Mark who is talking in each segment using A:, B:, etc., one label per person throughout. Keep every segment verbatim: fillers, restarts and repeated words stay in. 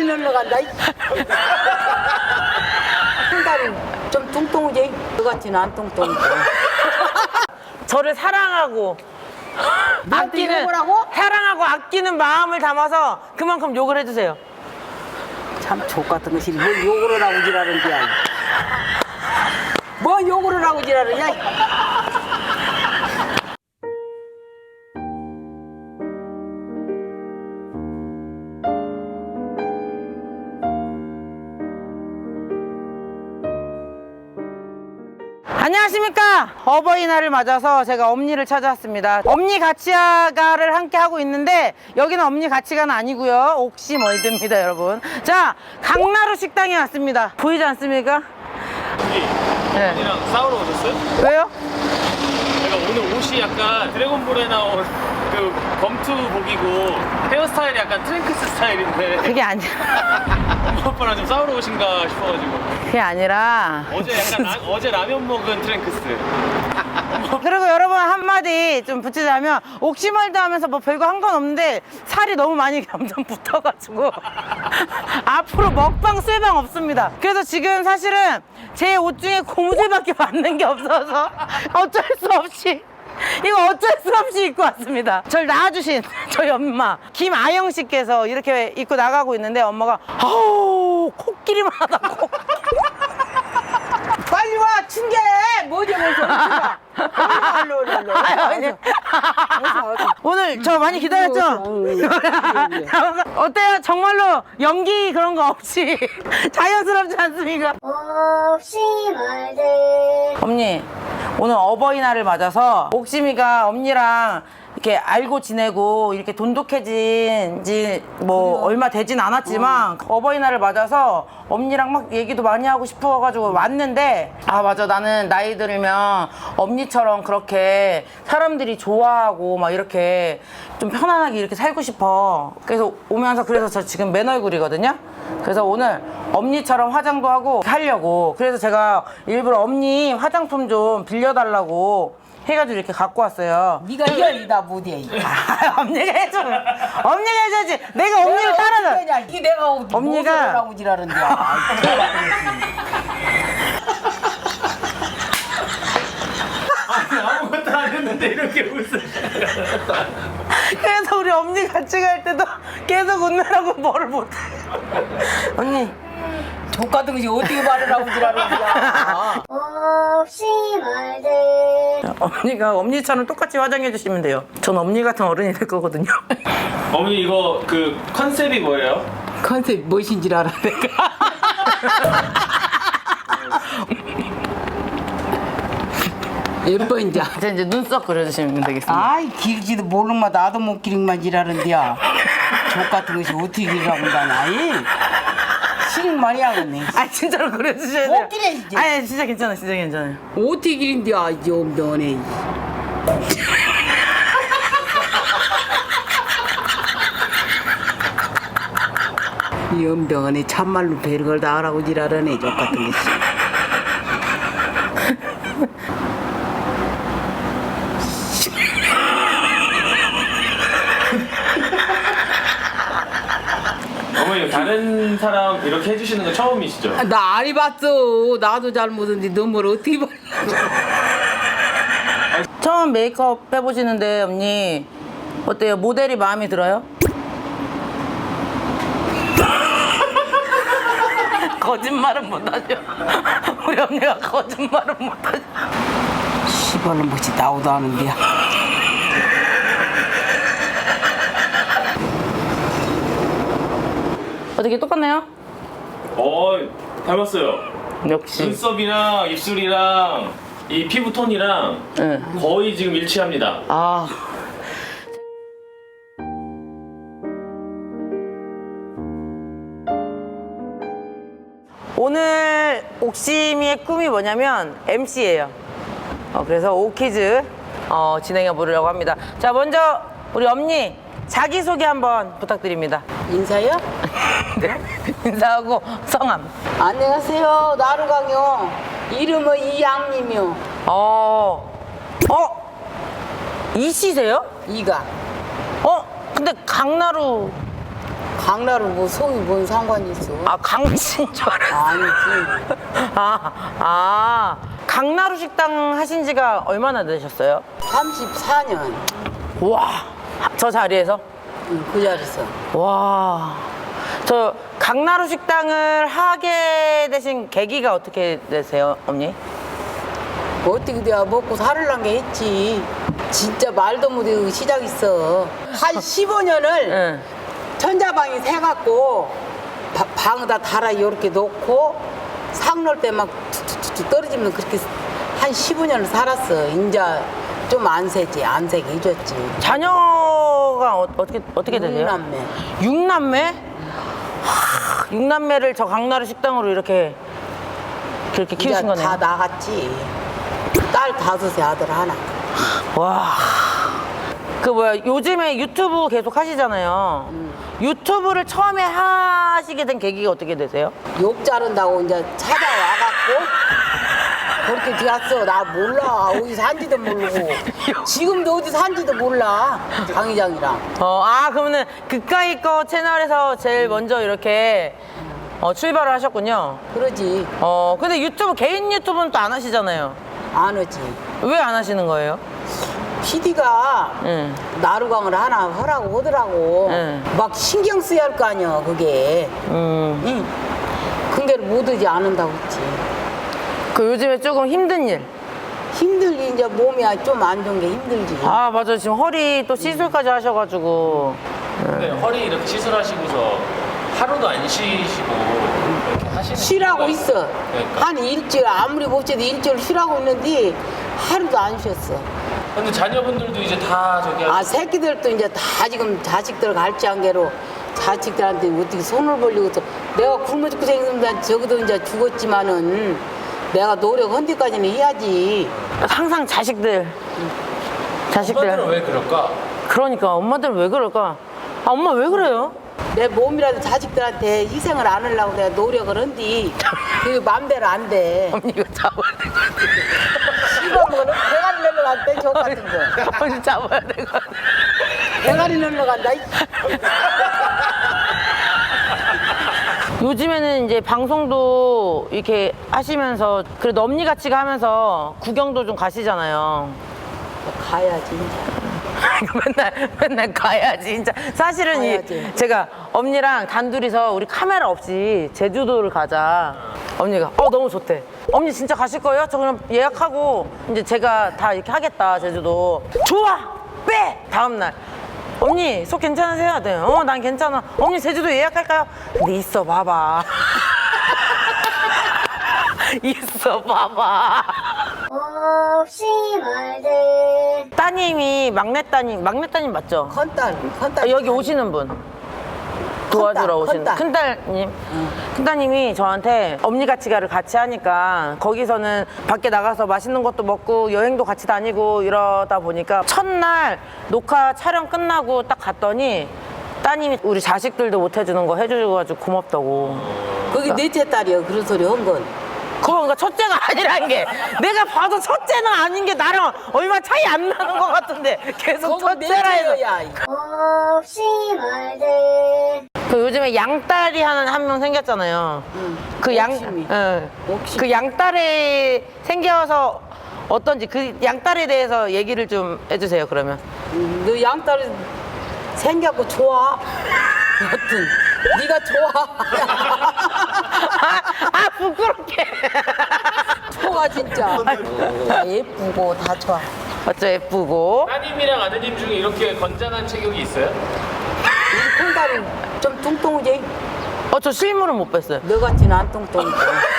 A: 다리 늘러간다. 한 다리 좀 뚱뚱하지? 너 같지는 안 뚱뚱해.
B: 저를 사랑하고 아끼는
A: 뭐라고?
B: 사랑하고 아끼는 마음을 담아서 그만큼 욕을 해주세요.
A: 참 족같은 것이 뭘 욕을 하고 지랄은지야. 뭐 욕을 하고 지랄이냐?
B: 안녕하십니까. 어버이날을 맞아서 제가 엄니를 찾아왔습니다. 엄니 가치가를 함께 하고 있는데 여기는 엄니 가치가는 아니고요, 옥시멀드입니다 여러분. 자, 강나루 식당에 왔습니다. 보이지 않습니까? 네.
C: 언니랑 싸우러 오셨어요?
B: 왜요?
C: 제가 오늘 옷이 약간 드래곤볼에 나온 그 검투복이고 헤어스타일이 약간 트랭크스 스타일인데
B: 그게 아니라
C: 엄마 아빠랑 좀 싸우러 오신가 싶어가지고.
B: 그게 아니라
C: 어제 약간 라, 어제 라면 먹은 트랭크스.
B: 그리고 여러분 한마디 좀 붙이자면 옥시멀드 하면서 뭐 별거 한 건 없는데 살이 너무 많이 점점 붙어가지고 앞으로 먹방 쇠방 없습니다. 그래서 지금 사실은 제 옷 중에 고무줄밖에 맞는 게 없어서 어쩔 수 없이 이거 어쩔 수 없이 입고 왔습니다. 절 낳아주신 저희 엄마 김아영 씨께서 이렇게 입고 나가고 있는데 엄마가 아우 코끼리만 하다고
A: 빨리 와, 춘계! 뭐지, 뭐지, 뭐지? 얼른, 얼른, 얼른.
B: 아유, 아니. 오늘 저 많이 기다렸죠? 어때요? 정말로 연기 그런 거 없이 자연스럽지 않습니까?
D: 없이 말들
B: 엄니, 오늘 어버이날을 맞아서 옥심이가 엄니랑 이렇게 알고 지내고 이렇게 돈독해진 지 뭐 얼마 되진 않았지만 어버이날을 맞아서 엄니랑 막 얘기도 많이 하고 싶어가지고 왔는데, 아 맞아, 나는 나이 들면 엄니처럼 그렇게 사람들이 좋아하고 막 이렇게 좀 편안하게 이렇게 살고 싶어. 그래서 오면서 그래서 저 지금 맨 얼굴이거든요. 그래서 오늘 엄니처럼 화장도 하고 하려고, 그래서 제가 일부러 엄니 화장품 좀 빌려달라고 해가지고 이렇게 갖고 왔어요.
A: 네가 이열이다, 못해.
B: 아, 엄니가 해줘. 엄니가 해줘야지. 내가 엄니를 따라서.
A: 이 내가
B: 엄니가-
A: 하고 지랄은데.
C: 아니 아무것도 안 했는데 이렇게 웃어.
B: 그래서 우리 엄니 같이 갈 때도 계속 웃느라고 뭐를 못해. 언니.
A: 족같은 것이 어떻게 말을 하고 지랄은지야.
D: 없이 말들
B: 엄니가 엄니처럼 똑같이 화장해 주시면 돼요. 전 엄니 같은 어른이 될 거거든요.
C: 어머니 이거 그 컨셉이 뭐예요?
A: 컨셉 무엇인지 알아, 내가. 예뻐, 이제.
B: 이제 이제 눈썹 그려주시면 되겠습니다.
A: 아이, 길지도 모르면 나도 못 기르기만 지랄은데야. 족같은 것이 어떻게 기르라고 한다나, 이. 싫은 말이 하겠네.
B: 아 진짜로 그려주셔야 돼요.
A: 못 기래, 이제.
B: 아니 진짜 괜찮아, 진짜 괜찮아요.
A: 어떻게 기른데야, 좀 너네. 이 엄병원에 참말로 별걸 다 하라고 지랄하네, 족같은 것이.
C: 어머니 다른 사람 이렇게 해주시는 거 처음이시죠?
A: 아, 나 안 해봤어. 나도 잘 못했는데 너 뭘 어떻게 봐.
B: 처음 메이크업 해보시는데 언니 어때요? 모델이 마음에 들어요? 거짓말은 못하죠. 우리 언니가 거짓말은 못하죠.
A: 시발로 뭐지 나오도 하는데야.
B: 어떻게 똑같나요?
C: 어 닮았어요.
B: 역시.
C: 눈썹이랑 입술이랑 이 피부 톤이랑
B: 네.
C: 거의 지금 일치합니다.
B: 아. 오늘 옥심이의 꿈이 뭐냐면 엠씨예요. 어, 그래서 오키즈 어, 진행해 보려고 합니다. 자, 먼저 우리 엄니 자기소개 한번 부탁드립니다.
A: 인사요?
B: 네. 인사하고 성함.
A: 안녕하세요. 나루강요. 이름은 이양님이요.
B: 어, 어, 이씨세요?
A: 이가.
B: 어, 근데 강나루
A: 강나루 뭐 속이 뭔 상관이 있어?
B: 아, 강친 줄 알았어.
A: 아니지.
B: 아, 아. 강나루 식당 하신 지가 얼마나 되셨어요?
A: 삼십사 년.
B: 와, 저 자리에서?
A: 응, 그 자리에서.
B: 와. 저 강나루 식당을 하게 되신 계기가 어떻게 되세요, 언니?
A: 어떻게 내가 먹고 살을란 게 했지. 진짜 말도 못해 시작했어. 한 십오 년을
B: 응.
A: 천자방이 새갖고 바- 방에다 달아 이렇게 놓고 상 놓을 때 막 툭툭툭 떨어지면 그렇게 한 십오 년을 살았어. 인자 좀 안 새지. 안 새게 해줬지.
B: 자녀가 어, 어떻게 어떻게 되세요?
A: 육남매.
B: 육남매? 하, 육남매를 저 강나루 식당으로 이렇게 그렇게
A: 이제
B: 키우신 거네요.
A: 다 나갔지. 딸 다섯에 아들 하나.
B: 와. 그 뭐야 요즘에 유튜브 계속 하시잖아요. 유튜브를 처음에 하시게 된 계기가 어떻게 되세요?
A: 욕 자른다고 이제 찾아와갖고 그렇게 되었어. 나 몰라. 어디 산지도 모르고. 지금도 어디 산지도 몰라. 강 회장이랑.
B: 어, 아 그러면은 그까이 거 채널에서 제일 먼저 이렇게 어, 출발을 하셨군요.
A: 그러지.
B: 어 근데 유튜브 개인 유튜브는 또 안 하시잖아요.
A: 안 오지.
B: 왜 안 하시는 거예요?
A: 피디가
B: 응.
A: 나루강을 하나 하라고 하더라고.
B: 응.
A: 막 신경 써야 할 거 아니야, 그게.
B: 음.
A: 응. 근데를 못 오지 않는다고 했지.
B: 그 요즘에 조금 힘든 일.
A: 힘들지, 이제 몸이 좀 안 좋은 게 힘들지.
B: 아 맞아 지금 허리 또 시술까지 하셔가지고.
C: 근데 허리 이렇게 시술하시고서 하루도 안 쉬시고 이렇게 하시는
A: 쉬라고
C: 이유가
A: 있어.
C: 그러니까.
A: 한 일주일, 아무리 못 쉬도 일주일 쉬라고 있는데 하루도 안 쉬었어.
C: 근데 자녀분들도 이제 다 저기
A: 아, 새끼들도 이제 다 지금 자식들 갈지한 게로 자식들한테 어떻게 손을 벌리고 또 내가 굶어 죽고 생겼는데 저기도 이제 죽었지만은 내가 노력한 데까지는 해야지.
B: 항상 자식들. 자식들.
C: 엄마들은 왜 그럴까?
B: 그러니까 엄마들은 왜 그럴까? 아 엄마 왜 그래요?
A: 내 몸이라도 자식들한테 희생을 안 하려고 내가 노력을 한디 그게 맘대로 안 돼.
B: 언니 이거 잡아야 될 것 같아.
A: 씹어먹으면 대가리 늘러간대, 저 같은 거.
B: 언니 잡아야 될 것 같아.
A: 대가리 늘러간다. 이.
B: 요즘에는 이제 방송도 이렇게 하시면서 그래도 언니 같이 가면서 구경도 좀 가시잖아요.
A: 가야지, 이제.
B: 맨날 맨날 가야지 진짜 사실은
A: 가야지.
B: 이 제가 언니랑 단둘이서 우리 카메라 없이 제주도를 가자 언니가 어 너무 좋대 언니 진짜 가실 거예요? 저 그럼 예약하고 이제 제가 다 이렇게 하겠다 제주도 좋아 빼 다음날 언니 속 괜찮으세요? 네. 어 난 괜찮아 언니 제주도 예약할까요? 근데 있어 봐봐 있어 봐봐
D: 없이 말들
B: 따님이 막내 따님 막내 따님 맞죠?
A: 컨딸, 컨딸.
B: 아, 여기 오시는 분 도와주러 오시는
A: 큰딸.
B: 큰딸님 큰딸님이 저한테 엄니 같이 가를 같이 하니까 거기서는 밖에 나가서 맛있는 것도 먹고 여행도 같이 다니고 이러다 보니까 첫날 녹화 촬영 끝나고 딱 갔더니 따님이 우리 자식들도 못 해주는 거 해줘가지고 고맙다고
A: 그게 넷째 딸이야, 그런 소리 한 건.
B: 그러니까 첫째가 아니라는 게 내가 봐도 첫째는 아닌 게 나랑 얼마 차이 안 나는 것 같은데 계속
A: 그거
B: 첫째라 해서
A: 넷째야.
D: 없이 말들
B: 그 요즘에 양딸이 하는 한 명 생겼잖아요. 그 양,
A: 욕심이.
B: 응.
A: 욕심.
B: 그 양딸이 생겨서 어떤지 그 양딸에 대해서 얘기를 좀 해주세요. 그러면.
A: 음, 너 양딸이 생겼고 좋아. 여튼 네가 좋아.
B: 아, 아 부끄럽게.
A: 좋아 진짜. 다 예쁘고 다 좋아.
B: 어쩌 예쁘고.
C: 따님이랑 아드님 중에 이렇게 건장한 체격이 있어요?
A: 우리 큰딸이 좀 뚱뚱하지?
B: 어 저 실물은 못 뵀어요.
A: 너 같지는 안 뚱뚱해.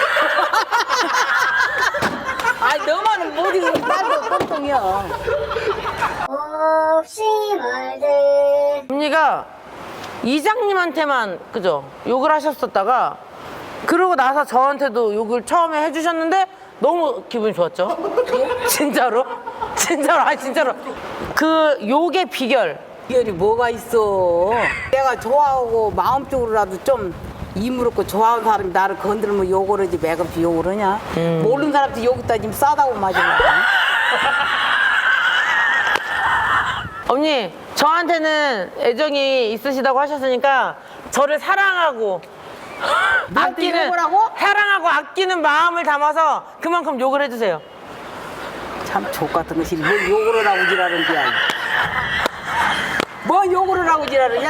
A: 아니 너만은 못 익으면 딸도 뚱뚱이야.
D: 없이 말들
B: 언니가 이장님한테만 그죠 욕을 하셨었다가 그러고 나서 저한테도 욕을 처음에 해주셨는데 너무 기분이 좋았죠. 진짜로 진짜로 아니 진짜로 그 욕의 비결
A: 비결이 뭐가 있어? 내가 좋아하고 마음적으로라도 좀 이무롭고 좋아하는 사람이 나를 건들면 욕을 하지 매겁지 욕을 하냐? 모르는 사람한테 욕했다 지금 싸다고 맞으려고.
B: 언니 저한테는 애정이 있으시다고 하셨으니까 저를 사랑하고
A: 나한테
B: 아끼는
A: 욕을 하고?
B: 사랑하고 아끼는 마음을 담아서 그만큼 욕을 해주세요.
A: 참 족같은 것이 뭘 욕을 하고 지랄은 거야. 뭐 욕을 하고 지랄은 야.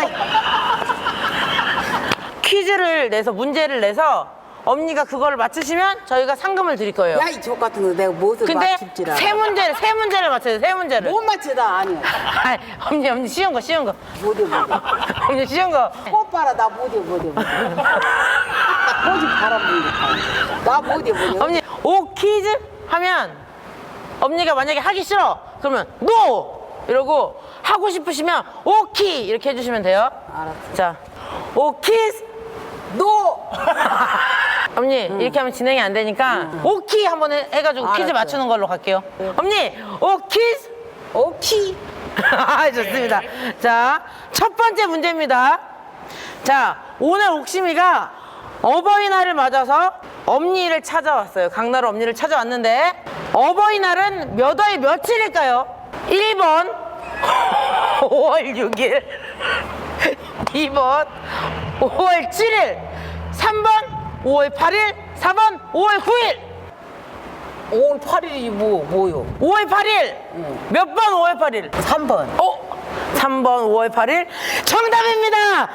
B: 퀴즈를 내서 문제를 내서 엄니가 그걸 맞추시면 저희가 상금을 드릴 거예요.
A: 야 이 족같은 거 내가 무엇을
B: 근데
A: 맞출지 알아.
B: 세 문제를 세 문제를 맞춰요. 세 문제를.
A: 못 맞추다 아니야.
B: 아이, 엄니 엄니 쉬운 거 쉬운 거.
A: 못해 못해.
B: 엄니 쉬운 거.
A: 꽃 봐라 나 못해 못해 못해. 꽃이 바람 불니까. 나 못해 못해.
B: 엄니 오 퀴즈 하면 엄니가 만약에 하기 싫어 그러면 노 이러고 하고 싶으시면 오키 이렇게 해주시면 돼요.
A: 알았어.
B: 자 오키스
A: 노.
B: 엄니 이렇게 하면 진행이 안 되니까 오키 한번 해, 해가지고 퀴즈
A: 알았어요.
B: 맞추는 걸로 갈게요. 엄니 오키스
A: 오키.
B: 아, 좋습니다. 자, 첫 번째 문제입니다. 자, 오늘 옥심이가 어버이날을 맞아서 엄니를 찾아왔어요. 강나루 엄니를 찾아왔는데 어버이날은 몇 월 며칠일까요? 일 번 오월 육일, 이 번 오월 칠일, 삼 번 오월 팔일, 사 번 오월 구일.
A: 오월 팔일이 뭐 뭐요?
B: 오월 팔일. 몇 번 오월 팔일?
A: 삼 번.
B: 어? 삼 번 오월 팔일 정답입니다.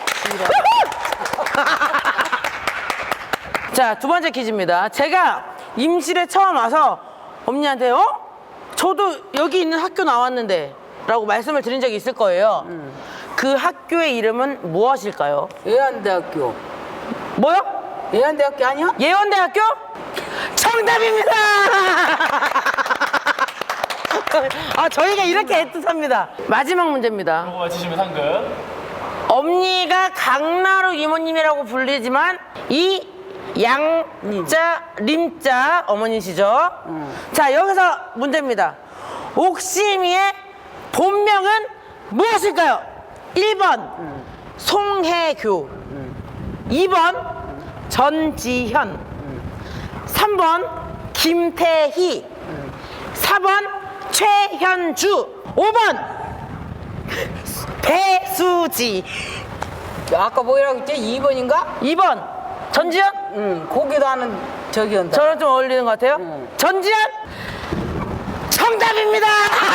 B: 자, 두 번째 퀴즈입니다. 제가 임실에 처음 와서 엄니한테 어? 저도 여기 있는 학교 나왔는데 라고 말씀을 드린 적이 있을 거예요. 그 학교의 이름은 무엇일까요?
A: 예안대학교.
B: 뭐요?
A: 예안대학교 아니야?
B: 예원대학교? 정답입니다. 아, 저희가 이렇게 애틋합니다. 마지막 문제입니다.
C: 이거 맞히시면 상금.
B: 엄니가 강나루 이모님이라고 불리지만 이 양자 림자 어머니시죠? 자, 여기서 문제입니다. 옥심이의 본명은 무엇일까요? 일 번 송혜교, 이 번 전지현, 삼 번 김태희, 사 번 최현주, 오 번 배수지,
A: 아까 뭐라고 했지? 이 번인가?
B: 이 번 전지현?
A: 응. 고기도 하는 저기 한다.
B: 저랑 좀 어울리는 것 같아요.
A: 응.
B: 전지현 정답입니다.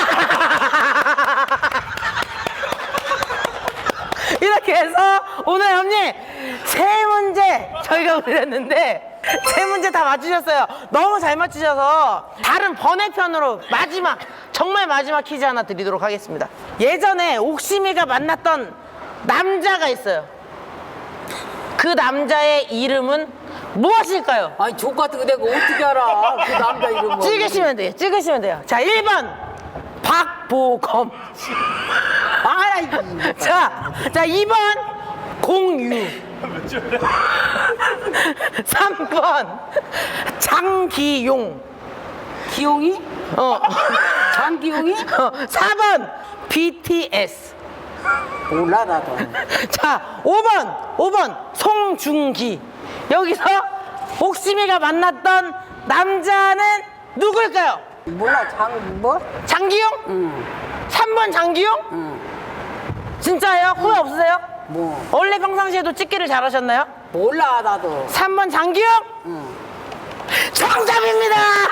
B: 이렇게 해서 오늘 언니 세 문제 저희가 올렸는데 세 문제 다 맞추셨어요. 너무 잘 맞추셔서 다른 번외편으로 마지막 정말 마지막 퀴즈 하나 드리도록 하겠습니다. 예전에 옥심이가 만났던 남자가 있어요. 그 남자의 이름은 무엇일까요?
A: 아니 족같은 거 내가 어떻게 알아? 그 남자 이름은.
B: 찍으시면 돼요. 찍으시면 돼요. 자, 일 번 박보검.
A: 알아 이거.
B: 자, 자, 이 번 공유. 삼 번 장기용.
A: 기용이?
B: 어.
A: 장기용이?
B: 어, 사 번 비티에스.
A: 몰라 나도.
B: 자, 오 번 오 번 송중기. 여기서 옥심이가 만났던 남자는 누굴까요?
A: 몰라 장 뭐?
B: 장기용?
A: 응.
B: 삼 번 장기용?
A: 응.
B: 진짜예요? 후회 없으세요?
A: 뭐?
B: 원래 평상시에도 찍기를 잘하셨나요?
A: 몰라 나도.
B: 삼 번 장기용?
A: 응.
B: 정답입니다!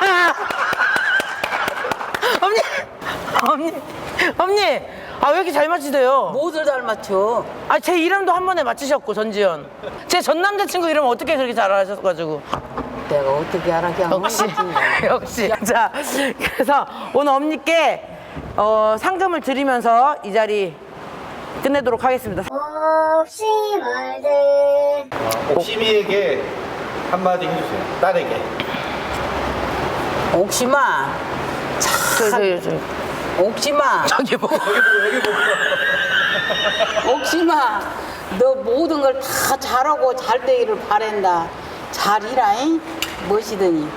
B: 언니, 언니, 언니, 아, 왜 이렇게 잘 맞히세요?
A: 무엇을 잘 맞춰?
B: 아, 제 이름도 한 번에 맞히셨고, 전지현. 제 전 남자친구 이름 어떻게 그렇게 잘 아셔가지고.
A: 내가 어떻게 알아? 그냥
B: 역시,
A: 맞지.
B: 역시. 자, 그래서 오늘 엄니께 어, 상금을 드리면서 이 자리 끝내도록 하겠습니다.
D: 옥시멀들
E: 옥심이에게 한마디 해주세요. 딸에게.
A: 옥심아.
B: 저, 저, 저,
A: 옥심아.
B: 저기 뭐.
A: 옥심아. 너 모든 걸 다 잘하고 잘 되기를 바란다. 잘 일하잉? 멋이더니.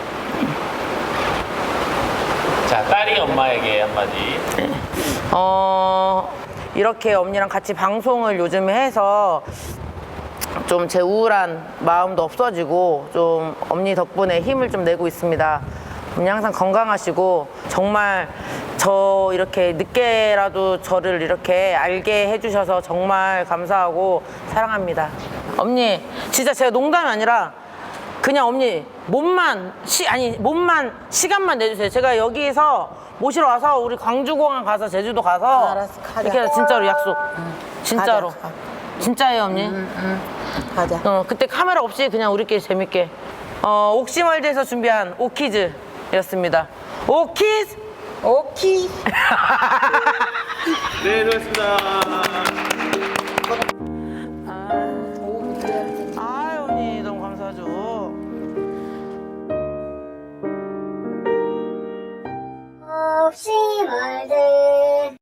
C: 자, 딸이 엄마에게 한마디.
B: 어, 이렇게 엄니랑 같이 방송을 요즘에 해서 좀 제 우울한 마음도 없어지고 좀 엄니 덕분에 힘을 좀 내고 있습니다. 어머니 항상 건강하시고 정말 저 이렇게 늦게라도 저를 이렇게 알게 해주셔서 정말 감사하고 사랑합니다. 어머니 진짜 제가 농담이 아니라 그냥 어머니 몸만 시 아니 몸만 시간만 내주세요. 제가 여기서 모시러 와서 우리 광주공항 가서 제주도 가서
A: 알았어, 가자.
B: 이렇게 해서 진짜로 약속. 진짜로.
A: 가자, 가자.
B: 진짜예요, 어머니.
A: 가자.
B: 어, 그때 카메라 없이 그냥 우리끼리 재밌게. 어, 옥시월드에서 준비한 오키즈였습니다. 오키즈!
A: 오키.
C: 네, 수고하셨습니다.